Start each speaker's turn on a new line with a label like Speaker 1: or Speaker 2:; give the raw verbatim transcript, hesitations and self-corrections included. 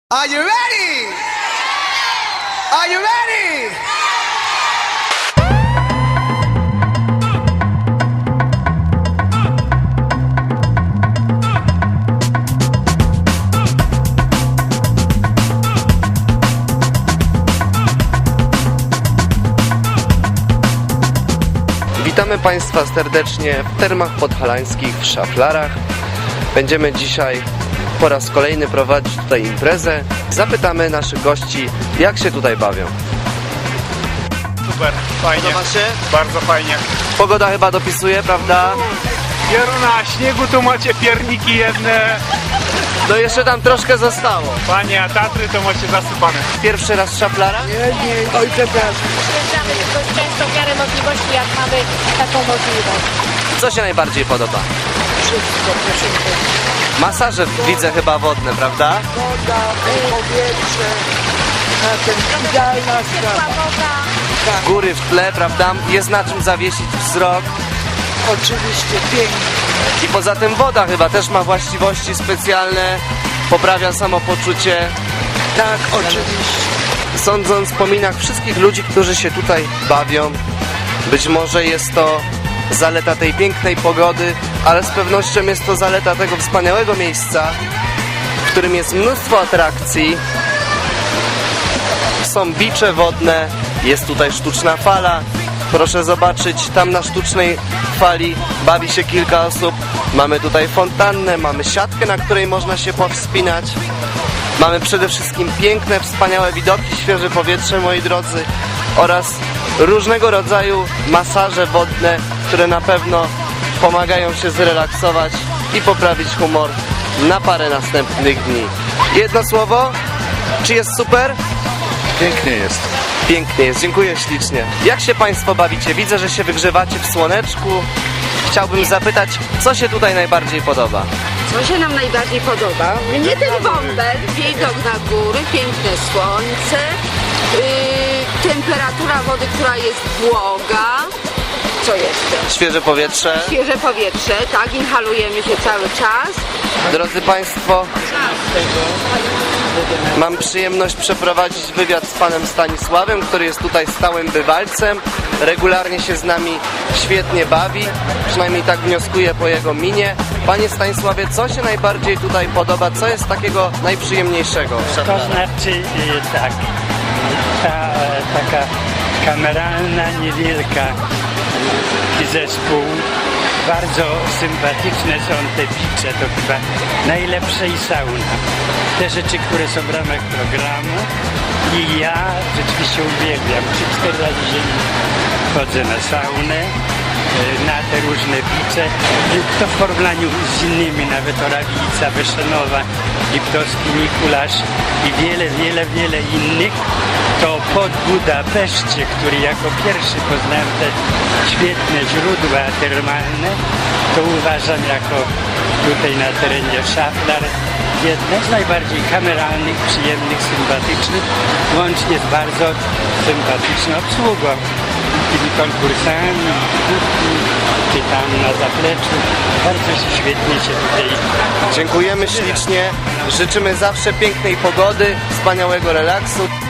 Speaker 1: Are you ready? Are you ready?
Speaker 2: Witamy Państwa serdecznie w Termach Podhalańskich w Szaflarach. Będziemy dzisiaj po raz kolejny prowadzić tutaj imprezę. Zapytamy naszych gości, jak się tutaj bawią.
Speaker 3: Super, fajnie.
Speaker 2: Podoba się?
Speaker 3: Bardzo fajnie.
Speaker 2: Pogoda chyba dopisuje, prawda?
Speaker 3: Pieruna, śniegu tu macie pierniki jedne.
Speaker 2: No jeszcze tam troszkę zostało.
Speaker 3: Panie, a Tatry to macie zasypane.
Speaker 2: Pierwszy raz w Szaflarach?
Speaker 3: Oj, przepraszam.
Speaker 4: Przyjeżdżamy dość często w miarę możliwości, jak mamy taką możliwość.
Speaker 2: Co się najbardziej podoba?
Speaker 4: Wszystko, proszę powiedzieć.
Speaker 2: Masaże widzę chyba wodne, prawda?
Speaker 5: Woda, powietrze, a ten idealna
Speaker 4: Ciepła
Speaker 5: sprawa.
Speaker 4: woda.
Speaker 2: Góry w tle, prawda? Jest na czym zawiesić wzrok.
Speaker 5: Oczywiście pięknie.
Speaker 2: I poza tym woda chyba też ma właściwości specjalne. Poprawia samopoczucie.
Speaker 5: Tak, oczywiście.
Speaker 2: Sądząc po minach wszystkich ludzi, którzy się tutaj bawią, być może jest to zaleta tej pięknej pogody, ale z pewnością jest to zaleta tego wspaniałego miejsca, w którym jest mnóstwo atrakcji. Są bicze wodne, jest tutaj sztuczna fala. Proszę zobaczyć, tam na sztucznej fali bawi się kilka osób. Mamy tutaj fontannę, mamy siatkę, na której można się powspinać. Mamy przede wszystkim piękne, wspaniałe widoki, świeże powietrze, moi drodzy, oraz różnego rodzaju masaże wodne, które na pewno pomagają się zrelaksować i poprawić humor na parę następnych dni. Jedno słowo? Czy jest super?
Speaker 3: Pięknie jest.
Speaker 2: Pięknie jest, dziękuję ślicznie. Jak się Państwo bawicie? Widzę, że się wygrzewacie w słoneczku. Chciałbym zapytać, co się tutaj najbardziej podoba?
Speaker 6: Co się nam najbardziej podoba? Mnie ten bąbel, widok na góry, piękne słońce, yy, temperatura wody, która jest błoga. Co jeszcze?
Speaker 2: Świeże powietrze.
Speaker 6: Świeże powietrze, tak, inhalujemy się cały czas.
Speaker 2: Drodzy Państwo, mam przyjemność przeprowadzić wywiad z panem Stanisławem, który jest tutaj stałym bywalcem. Regularnie się z nami świetnie bawi, przynajmniej tak wnioskuję po jego minie. Panie Stanisławie, co się najbardziej tutaj podoba? Co jest takiego najprzyjemniejszego?
Speaker 7: To znaczy y, tak, ta e, taka kameralna, niewielka y, zespół, bardzo sympatyczne są te bicze, to chyba najlepsze i sauna. Te rzeczy, które są w ramach programu i ja rzeczywiście uwielbiam, trzy cztery razy dziennie chodzę na saunę, y, na te różne bicze. Y, To w porównaniu z innymi, nawet Orawica, Wyszenowa, Liptowski Mikuláš i wiele, wiele, wiele innych, to pod Budapeszcie, który jako pierwszy poznałem te świetne źródła termalne, to uważam jako tutaj na terenie Szaflar jedne z najbardziej kameralnych, przyjemnych, sympatycznych, łącznie z bardzo sympatyczną obsługą. Tymi konkursami, czy tam na zapleczu. Bardzo świetnie się tutaj...
Speaker 2: Dziękujemy ślicznie, życzymy zawsze pięknej pogody, wspaniałego relaksu.